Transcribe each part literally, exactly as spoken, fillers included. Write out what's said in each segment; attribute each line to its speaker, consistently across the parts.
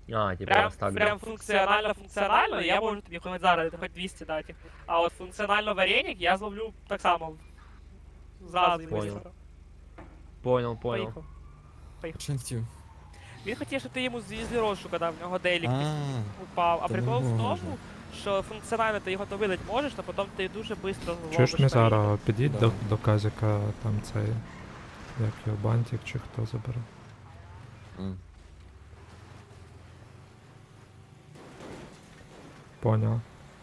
Speaker 1: А, типа
Speaker 2: Прям,
Speaker 1: розставлю.
Speaker 2: прям функціонально функціонально, я можу тобі хоч зараз, хоч двісті дати. А от функціонально вареник я зловлю так само. Зразу і
Speaker 1: Понял.
Speaker 2: быстро.
Speaker 1: Понял, понял.
Speaker 2: Поїхав. Поїхав.
Speaker 3: Що він хотів?
Speaker 2: Він хотів, щоб ти йому звізли розшука дав, в нього дейлік
Speaker 3: А,
Speaker 2: упав. А
Speaker 3: то
Speaker 2: прикол
Speaker 3: не
Speaker 2: в
Speaker 3: можна.
Speaker 2: тому, що функціонально ти його то видати можеш, а потім ти дуже швидко зловиш.
Speaker 4: Чуєш,
Speaker 2: варіник.
Speaker 4: Мізара, підіть
Speaker 3: Да.
Speaker 4: до, до Казіка, там цей, як його, бантик чи хто забере.
Speaker 3: а.
Speaker 4: Поняв.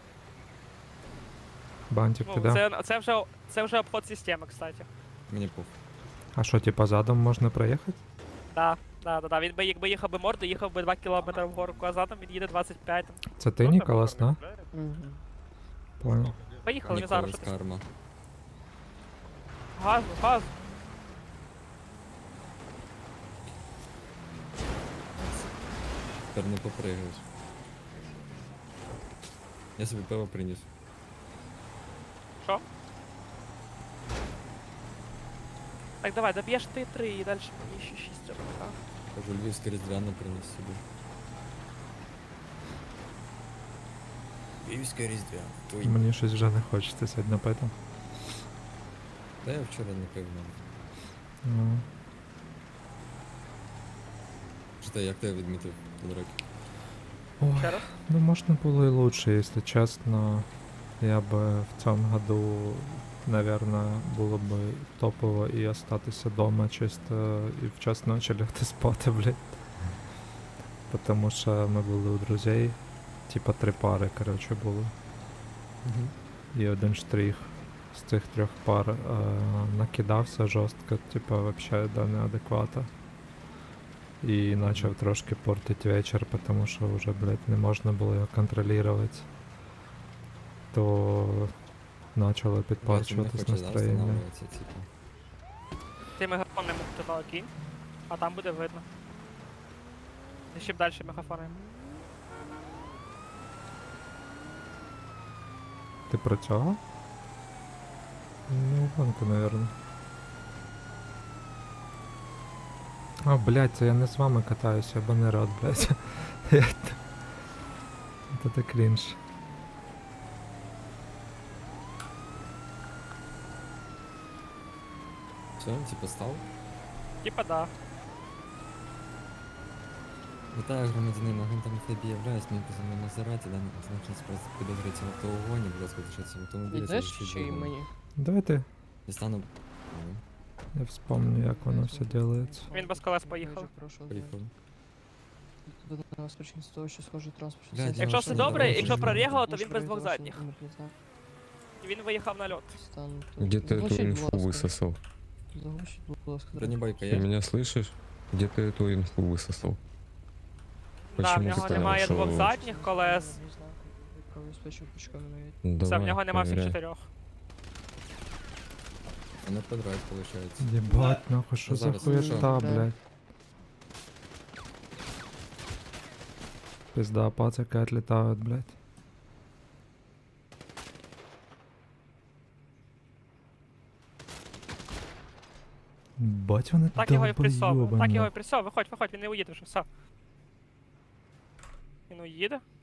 Speaker 4: Бантик
Speaker 2: Ну,
Speaker 4: піде.
Speaker 2: це, це, вже, це вже обход системи, кстати.
Speaker 3: Мені пух.
Speaker 4: А що, типа задом можна проїхати?
Speaker 2: Да, да, да, да. Він би, якби їхав би морду, їхав би два кілометри вгору, а задом він їде двадцять п'ять. Там.
Speaker 4: Це ти, Ніколас, да?
Speaker 5: Мгм.
Speaker 4: Понял.
Speaker 2: Поїхали, Мізару,
Speaker 3: Ніколас
Speaker 2: що ти?
Speaker 3: карма.
Speaker 2: Газу, газу.
Speaker 3: Тепер не попригаєш. Я собі пиво приніс.
Speaker 2: Що? Так, давай, доб'єш ти три і далі мені ще шість треба. Так.
Speaker 3: Кажу, львівське різдвяне приніс собі. Львівське різдвяне. Ой.
Speaker 4: Мені щось вже не хочеться сьогодні пити.
Speaker 3: Та я вчора не пив навіть.
Speaker 4: Ну,
Speaker 3: Що ти, як ти відмітив Тодорок?
Speaker 4: ой,
Speaker 2: Ще раз?
Speaker 4: ну можна було і лучше, якщо чесно. Я би в цьому году, наверное, було б топово і остатися дома чисто і в час ночі лягти спати, блядь. Потому що ми були у друзей, типа три пари, коротше, було.
Speaker 3: Угу.
Speaker 4: І один штрих з цих трьох пар е, накидався жорстко, типа вообще до неадеквата. І почав трошки портити вечір, тому що вже, блядь, не можна було його контролювати. То почало підпорчуватись настроєння.
Speaker 3: Типу.
Speaker 2: Ти мегафон не мог туди кинь, а там буде видно. І ще б далі мегафони.
Speaker 4: Ти про цього? Ну, гонку, наверное. А, блядь, це я не з вами катаюся, я не рад, блядь. Це так крінж.
Speaker 3: Все, типу став?
Speaker 2: Типа да.
Speaker 3: Вітаю, громадянин, агентом еф бі являюсь, мені позвонив Мазераті, даний позначений справді підозрюється в автоугоні, будь ласка, залишайтеся в автомобілі,
Speaker 5: Ідеш
Speaker 3: залишіть
Speaker 5: чи
Speaker 3: двигун.
Speaker 5: мені?
Speaker 4: Давайте
Speaker 3: Дістану... Ну,
Speaker 4: я вспомню, як воно все делається.
Speaker 2: Він без колес поїхав.
Speaker 5: Дуже прошу,
Speaker 3: поїхав.
Speaker 5: До нас причин з того, що схожий транспорт.
Speaker 3: Блядь,
Speaker 5: Якщо
Speaker 2: Якщо
Speaker 3: ну,
Speaker 2: все
Speaker 3: що
Speaker 2: добре,
Speaker 3: не
Speaker 2: якщо
Speaker 3: давай,
Speaker 2: прорігало, то
Speaker 5: Може,
Speaker 2: він без двох
Speaker 5: проїхав,
Speaker 2: задніх.
Speaker 5: що номерний знак.
Speaker 2: І він виїхав на льот.
Speaker 5: Стан тут.
Speaker 6: Где ты
Speaker 5: Заглушіть,
Speaker 6: эту
Speaker 5: будь
Speaker 6: инфу
Speaker 5: ласка.
Speaker 6: высосал?
Speaker 5: Заглушіть, будь ласка.
Speaker 3: Бронебойка
Speaker 6: Ты
Speaker 3: є?
Speaker 6: меня слышишь? Где ты эту инфу высосал?
Speaker 2: Да, в
Speaker 6: Почему
Speaker 2: нього
Speaker 6: ти
Speaker 2: немає
Speaker 6: сказав,
Speaker 2: двох
Speaker 6: що-
Speaker 2: задніх колес.
Speaker 5: Номерний знак, правообезпечення пучками навіть.
Speaker 6: Ну,
Speaker 2: Все, в
Speaker 6: давай,
Speaker 2: нього нема всіх
Speaker 6: проверяй.
Speaker 2: чотирьох.
Speaker 3: А не подрайв, виходить.
Speaker 4: Єбать, нахуй, що
Speaker 3: Ну,
Speaker 4: за
Speaker 3: зараз,
Speaker 4: хуєта,
Speaker 5: що?
Speaker 4: блядь. Пизда, пацаки отлетают, блядь. Бать вони
Speaker 2: Так його і присов. Так його і
Speaker 4: долбойобані.
Speaker 2: присов. Виходь, виходь, він не уїде вже, все. Він уїде.